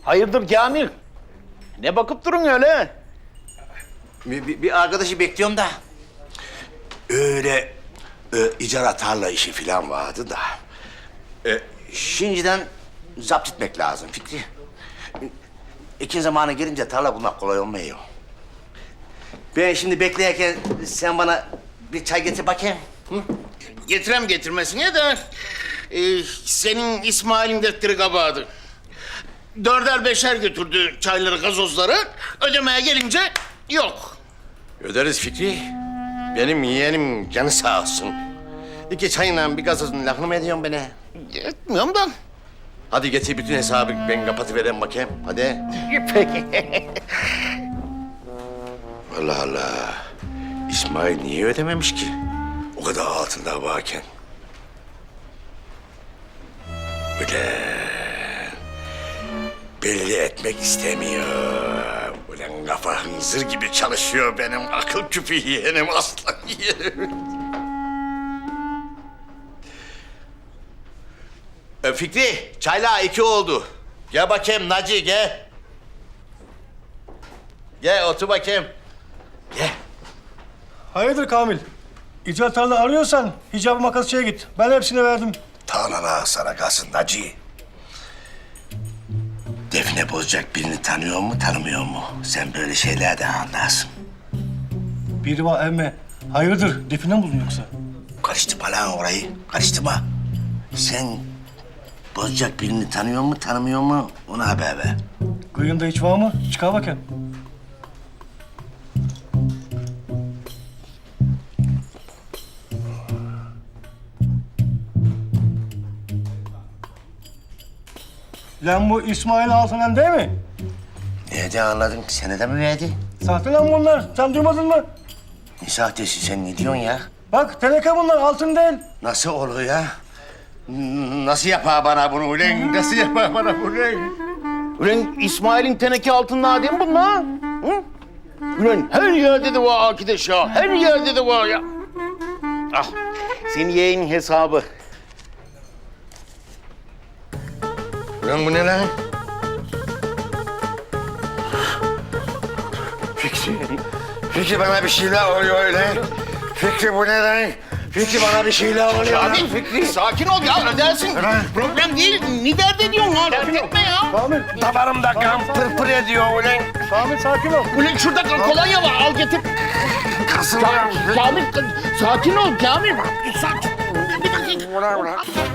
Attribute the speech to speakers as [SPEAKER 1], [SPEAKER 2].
[SPEAKER 1] Hayırdır Kamil? Ne bakıp durun öyle?
[SPEAKER 2] Bir arkadaşı bekliyorum da. Öyle icara tarla işi falan vardı da. Şimdiden zapt etmek lazım Fikri. Ekin zamanı gelince tarla bulmak kolay olmuyor. Ben şimdi bekleyerken sen bana bir çay getir bakayım. Hı?
[SPEAKER 1] Getirem getirmesine de senin İsmail'in defteri kabahadı. Dörder beşer götürdü çayları, gazozları. Ödemeye gelince yok.
[SPEAKER 2] Öderiz Fikri. Benim yeğenim canı sağ olsun. 2 çayla bir gazozun lafını mı ediyorsun bana?
[SPEAKER 1] Etmiyorum da.
[SPEAKER 2] Hadi getir bütün hesabı ben kapatıvereyim bakayım. Hadi.
[SPEAKER 1] Peki.
[SPEAKER 2] Allah Allah. İsmail niye ödememiş ki? O kadar altında varken. Ulan. Belli etmek istemiyor. Ulan kafa hınzır gibi çalışıyor benim akıl küpü yeğenim, aslan yeğenim. Fikri, çayla 2 oldu. Gel bakayım Naci, gel. Gel otur bakayım. Gel.
[SPEAKER 3] Hayırdır Kamil? İcat tarla arıyorsan hicab-ı makasçıya git. Ben hepsini verdim.
[SPEAKER 2] Tarlana sana kalsın Naci. Defne bozacak birini tanıyor mu, tanımıyor mu? Sen böyle şeylerden anlarsın.
[SPEAKER 3] Biri var emme. Hayırdır? Define mi buldun yoksa?
[SPEAKER 2] Karıştırma lan orayı, karıştırma. Sen bozacak birini tanıyor mu, tanımıyor mu? Ona haber ver.
[SPEAKER 3] Kıyında hiç var mı? Çıkar bakayım. Lan bu İsmail Altınen değil mi?
[SPEAKER 2] Nereden anladın? Senede mi verdi?
[SPEAKER 3] Sahte lan bunlar. Sen duymadın mı?
[SPEAKER 2] Ne sahtesi, sen ne diyorsun ya?
[SPEAKER 3] Bak teneke bunlar, altın değil.
[SPEAKER 2] Nasıl olur ya? Nasıl yapar bana bunu ulan? Nasıl yapar bana bunu ulan?
[SPEAKER 1] Ulan İsmail'in teneke altında değil mi bunlar? Hı? Ulan her yerde de var arkadaş ya. Her yerde de var ya. Ah, senin yeğenin hesabı.
[SPEAKER 2] Ulan bu ne lan? Fikri bana bir şeyler oluyor öyle. Fikri bu ne lan? Fikri bana bir şeyler oluyor lan.
[SPEAKER 1] Kamil, Fikri sakin ol ya, ödersin. Problem değil. Ne dert ediyorsun ya? Dert etme ya.
[SPEAKER 3] Kamil,
[SPEAKER 2] Damarımda kan pırpır ediyor ulan.
[SPEAKER 3] Kamil sakin ol.
[SPEAKER 1] Ulan şurada kolonya var, al getir.
[SPEAKER 2] Kasılıyor.
[SPEAKER 1] Kamil, sakin ol Kamil. Sakin. Bir dakika.
[SPEAKER 2] Ulan.